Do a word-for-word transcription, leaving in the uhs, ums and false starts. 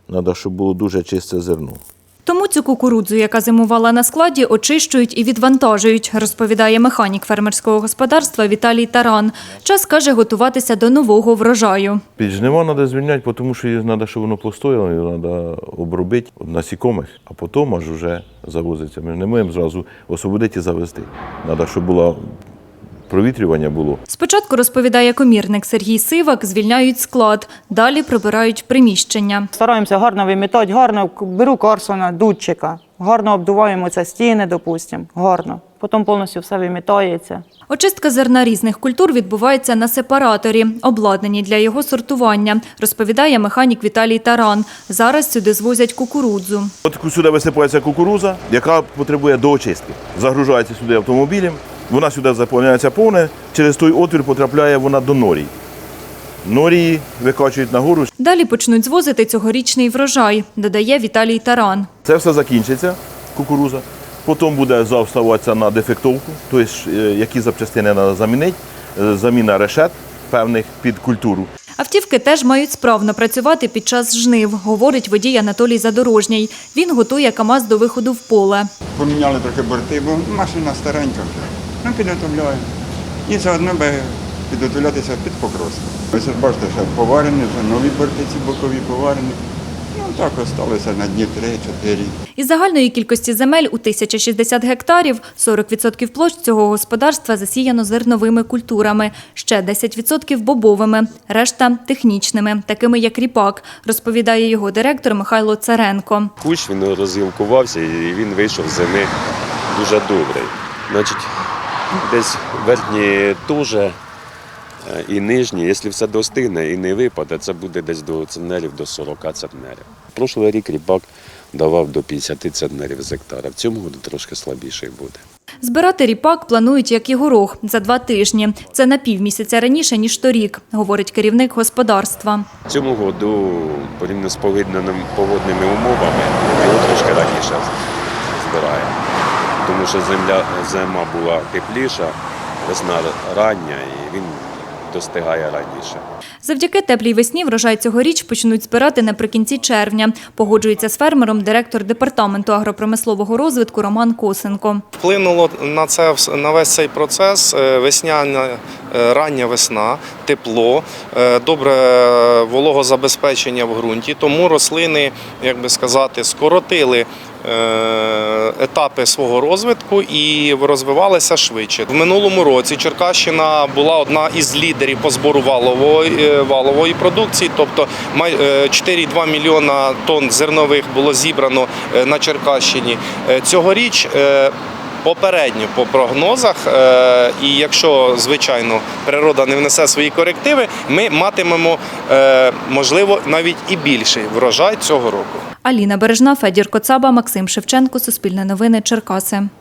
Треба, щоб було дуже чисте зерно. Тому цю кукурудзу, яка зимувала на складі, очищують і відвантажують, розповідає механік фермерського господарства Віталій Таран. Час, каже, готуватися до нового врожаю. Під жнива треба звільняти, тому що її треба, щоб воно постояло, його треба обробити насікомих, а потім аж вже завозиться. Ми ж не можемо зразу освободити і завезти. Треба, щоб було провітрювання було. Спочатку, розповідає комірник Сергій Сивак, звільняють склад, далі прибирають приміщення. Стараємося гарно вимітати, гарно беру Карсона, дудчика, гарно обдуваємо ці стіни, допустимо, гарно. Потім повністю все вимітається. Очистка зерна різних культур відбувається на сепараторі, обладнані для його сортування, розповідає механік Віталій Таран. Зараз сюди звозять кукурудзу. От сюди висипається кукурудза, яка потребує доочистки. Загружається сюди автомобілем, вона сюди заповняється повне, через той отвір потрапляє вона до норій. Норії викачують нагору. Далі почнуть звозити цьогорічний врожай, додає Віталій Таран. Це все закінчиться, кукурудза. Потім буде заставатися на дефектовку, тобто які запчастини треба замінити, заміна решет певних під культуру. Автівки теж мають справно працювати під час жнив, говорить водій Анатолій Задорожній. Він готує КАМАЗ до виходу в поле. Поміняли трохи борти, бо машина старенька вже. Ну, підготовляємо. І заодно би підготовлятися під покроску. Ось бачите, що поварені, вже нові борти ці бокові поварені. Ну, так осталося на дні три-чотири. Із загальної кількості земель у тисяча шістдесят гектарів сорок відсотків площ цього господарства засіяно зерновими культурами, ще десять відсотків бобовими, решта – технічними, такими як ріпак, розповідає його директор Михайло Царенко. Кущ, він розгілкувався і він вийшов з зими дуже добрий. Значить, десь верхні теж і нижні, якщо все достигне і не випаде, це буде десь до центнерів, до сорока центнерів. Прошлий рік ріпак давав до п'ятдесят центнерів з гектара, в цьому році трошки слабіший буде. Збирати ріпак планують, як і горох, за два тижні. Це на півмісяця раніше, ніж торік, говорить керівник господарства. В цьому році, порівняно з погодними умовами, його трошки раніше збираємо. Тому що земля, зима була тепліша, весна рання і він достигає раніше. Завдяки теплій весні врожай цьогоріч почнуть збирати наприкінці червня. Погоджується з фермером директор департаменту агропромислового розвитку Роман Косенко. Вплинуло на це, на весь цей процес весняна, рання весна, тепло, добре вологозабезпечення в ґрунті, тому рослини, як би сказати, скоротили етапи свого розвитку і розвивалися швидше. В минулому році Черкащина була одна із лідерів по збору валової, валової продукції, тобто чотири цілих два мільйона тонн зернових було зібрано на Черкащині. Цьогоріч попередньо по прогнозах, і якщо, звичайно, природа не внесе свої корективи, ми матимемо, можливо, навіть і більший врожай цього року. Аліна Бережна, Федір Коцаба, Максим Шевченко, Суспільне новини, Черкаси.